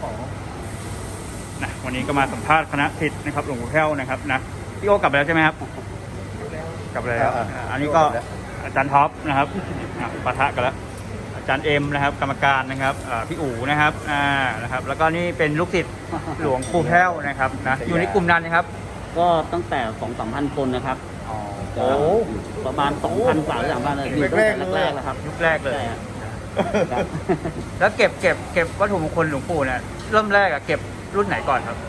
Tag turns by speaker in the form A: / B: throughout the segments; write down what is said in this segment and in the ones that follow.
A: นะวันนี้ก็มาสัมภาษณ์คณะศิษย์นะครับหลวงปู่แพ้วนะครับนะพี่โอกลับไปแล้วใช่ไหมครับกลับไปแล้วอันนี้ก็อาจารย์ท็อปนะครับปะทะกันแล้วอาจารย์เอ็มนะครับกรรมการนะครับพี่อู๋นะครับนะครับแล้วก็นี่เป็นลูกศิษย์หลวงปู่แพ้วนะครับนะอยู่ในกลุ่มนั้นนะครับ
B: ก็ตั้งแต่ 2-3,000 คนนะครับ
A: โอ้
B: ประมาณ 2,000 กว่าหรือ3,000เลยอยู่ตั้งแต่แรกๆแล้วครับ
A: ยุคแรกเลย
B: ครับ
A: แล้วเก็บวัตถุมงคลหลวงปู่เนี่ยเริ่มแรกเก็บรุ่นไหนก่อนครับ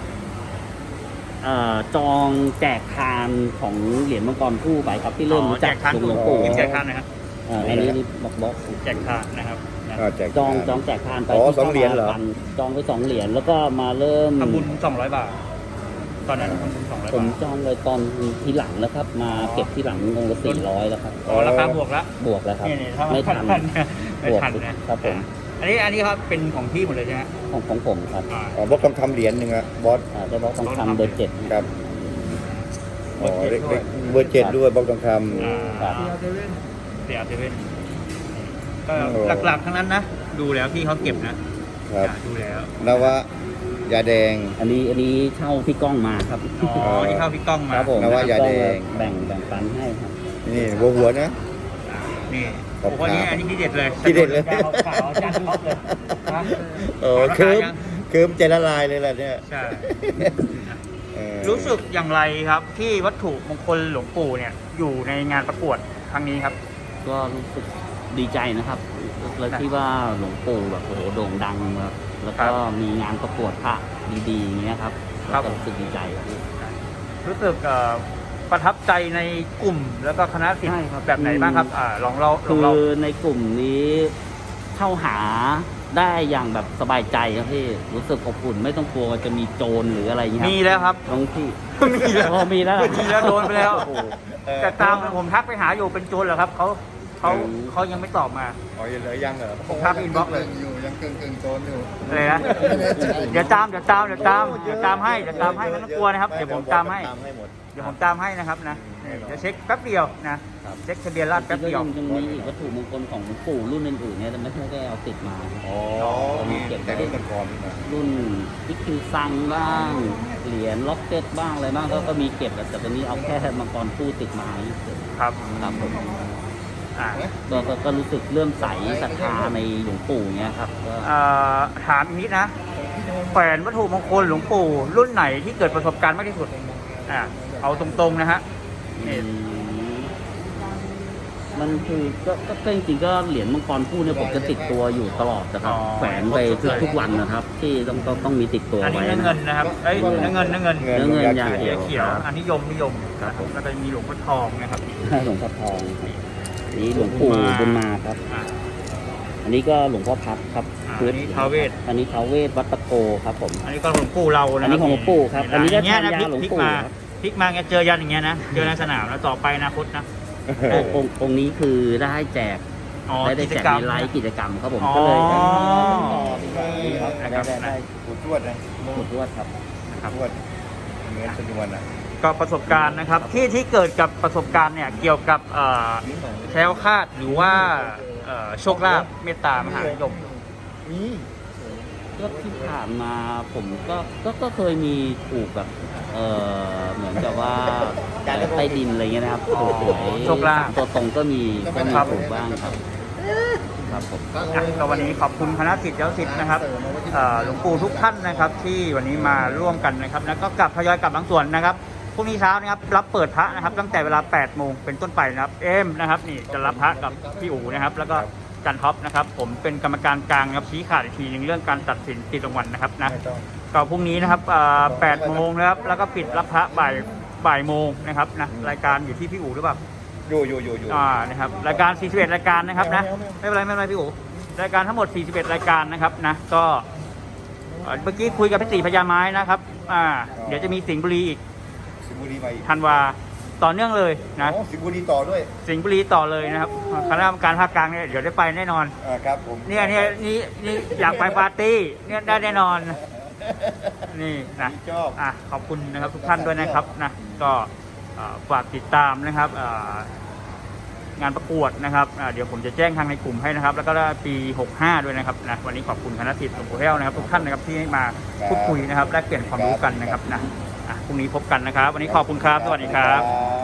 B: จองแจกทานของเหรียญมังกรคู่ไปครับที่เริ่มจากหลวงปู่
A: แจกทานนะครับ
B: อันนี้บล็อก
A: แจกทานนะครับ
B: จองแจกทานไป
C: 2 เหรียญเหรอ
B: จองไป2 เหรียญแล้วก็มาเริ่ม
A: ทำบุญ200 บาทตอนนั้นทำบุญ200 บาท
B: ผมจองเลยตอนทีหลังแล้วครับมาเก็บที่หลังองค์ละ400แล้วครับ
A: ราคาบวกแล้ว
B: ครับ
A: ไม่ทันนะครับผมอันนี้ครับเป็นของพี่หมดเลยใช่ไหม
B: ของผมครับ
C: บล็อกทองคำเหรียญหนึ่งอะบอส
B: ได้บล็อกทองคำเบอร์7
C: ครับเบอร์7ด้วยบล็อกทองค
A: ำเสียเซเว่นก็หลักๆทั้งนั้นนะดูแล้วพี่เขาเก็บนะครับดูแล้ว
C: นวะยาแดง
B: อันนี้เช่าพี่ก้องมาครับ
A: ที่เข้าพี่ก้องมา
B: ครับผม
C: นวะยาแดง
B: แบ่งปันให้ครับ
C: นี่หัวนะ
A: นี่วันนี้อันนี้ที่เด็ดเลยขาวจานท็อปเลย
C: เคิมใจละลายเลยแหละเนี่ย
A: ใช่รู้สึกอย่างไรครับที่วัตถุมงคลหลวงปู่เนี่ยอยู่ในงานประกวดครั้งนี้ครับ
B: ก็รู้สึกดีใจนะครับแล้วที่ว่าหลวงปู่แบบโอ้โหโด่งดังแล้วก็มีงานประกวดพระดีๆอย่างเงี้ยครับก็รู้สึกดีใจครับ
A: รู้สึกประทับใจในกลุ่มแล้วก็คณะศิษย์แบบไหนบ้างครับลองเรา
B: คือในกลุ่มนี้เข้าหาได้อย่างแบบสบายใจครับพี่รู้สึกอบอุ่นไม่ต้องกลัวจะมีโจรหรืออะไรอย่างเงี้ย
A: มีแล้วครับ
B: น้องพี่
A: มีแล้วโดนไปแล้วแต่ตามผมทักไปหาอยู่เป็นโจรเหรอครับเขายังไม่ตอบมา
C: เลยยังเหรอ
A: ผมทักอินบ็อกซ์เลย
C: อยู่ยังกึ่งโจรอยู่
A: อะไรนะเดี๋ยวตามให้ไม่ต้องกลัวนะครับเดี๋ยวผมตามให้นะครับนะเดี๋ยวเช็คแป๊บเดียวนะเช็คทะเบียนราษฎร์แป๊บเดียว
B: ยังมีอีกวัตถุมงคลของหลวงปู่รุ่นอื่นๆเนี่ยแต่ไม่ได้เอาติดมา
C: มีเก็บแต่รุ่นก่อน
B: รุ่นพิคิวซังบ้างเหรียญล็อกเก็ตบ้างอะไรบ้างก็มีเก็บแต่ตอนนี้เอาแค่มังกรคู่ติดมา
A: ครับ
B: ผมก็รู้สึกเลื่อมใสศรัทธาในหลวงปู่เงี้ยครับ
A: ถามอีกนิดนะแขวนวัตถุมงคลหลวงปู่รุ่นไหนที่เกิดประสบการณ์มากที่สุดเอาตรงๆนะฮะ
B: มันคือก็จริงๆก็เหรียญมังกรคู่เนี่ยผมจะติดตัวอยู่ตลอดนะครับแขวนไปทุกวันนะครับที่ต้องมีติดตัวไว้
A: อันนี้เงินนะครับเงิน
B: อย่าง
A: เขียวอันนิยมครับผมแล้วก็มีหลวงพ่อทองนะครับ
B: หลวงพ่อทองนี่หลวงปู่บุญมาครับอันนี้ก็หลวงพ่อพัดครับ
A: อันนี้ท้าวเวส
B: วัดตะโกครับผม
A: อันนี้ก็หลวงปู่เรานะ
B: อันนี้ของหลวงปู่ครับอันนี้ก็ทานยาหลวงปู่
A: พลิกมาเจอยันอย่างเงี้ยนะเจอในสนามแล้วต่อไปอนาคตนะ
B: องค์นี้คือได้แจกได้แจกในไลฟ์กิจกรรมครับผมก็เลยได้
C: ขุดทวดนะ
B: ขุดทวดครับ
C: ทวดเงินจำนวนนะ
A: ก็ประสบการณ์นะครับที่เกิดกับประสบการณ์เนี่ยเกี่ยวกับแคล้วคลาดหรือว่าโชคลาภเมตตามหานิยม
B: ก็ที่ผ่านมาผมก็เคยมีถูกแบบเหมือนกับว่าใต้ดินอะไรเงี้ยนะครับ
A: โชคลาภ
B: ตัวตรงก็มีถูกบ้างครับผม
A: ก็วันนี้ขอบคุณคณะศิษย์เจ้าศิษย์นะครับหลวงปู่ทุกท่านนะครับที่วันนี้มาร่วมกันนะครับแล้วก็กลับทยอยกลับบางส่วนนะครับพรุ่งนี้เช้านะครับรับเปิดพระนะครับตั้งแต่เวลา 8 โมงเป็นต้นไปนะครับนะครับนี่จะรับพระกับพี่อู๋นะครับแล้วก็จันท็อปนะครับผมเป็นกรรมการกลางครับชี้ขาดอีกทีนึงเรื่องการตัดสินติดรางวัลนะครับนะก็พรุ่งนี้นะครับ8 โมงนะครับแล้วก็ปิดรับพระบ่ายโมงนะครับนะรายการอยู่ที่พี่อู๋หรือเปล่า
C: อยู่
A: นะครับรายการ41รายการนะครับนะไม่เป็นไรพี่อู๋รายการทั้งหมด41รายการนะครับนะก็เมื่อกี้คุยกับพี่ตีพญาไม้นะครับเดี๋ยวจะมีสิงห์บุรีอีกธันวาต่อเนื่องเลยนะ
C: สิงห์บุรีต่อด้วย
A: สิงห์บุรีต่อเลยนะครับคณะกรรมการภาคกลางเนี่ยเดี๋ยวได้ไปแน่นอน
C: ครับผม
A: นี่อยากไปปาร์ตี้เนี่ยได้แน่นอนนี่นะขอบคุณนะครับทุกท่านด้วยนะครับนะก็ฝากติดตามนะครับงานประกวดนะครับเดี๋ยวผมจะแจ้งทางในกลุ่มให้นะครับแล้วก็ปี65ด้วยนะครับนะวันนี้ขอบคุณคณะศิษย์หลวงปู่แห้วนะครับทุกท่านนะครับที่มาพูดคุยนะครับแลกเปลี่ยนความรู้กันนะครับนะพรุ่งนี้พบกันนะครับวันนี้ขอบคุณครับสวัสดีครับ
C: ครับ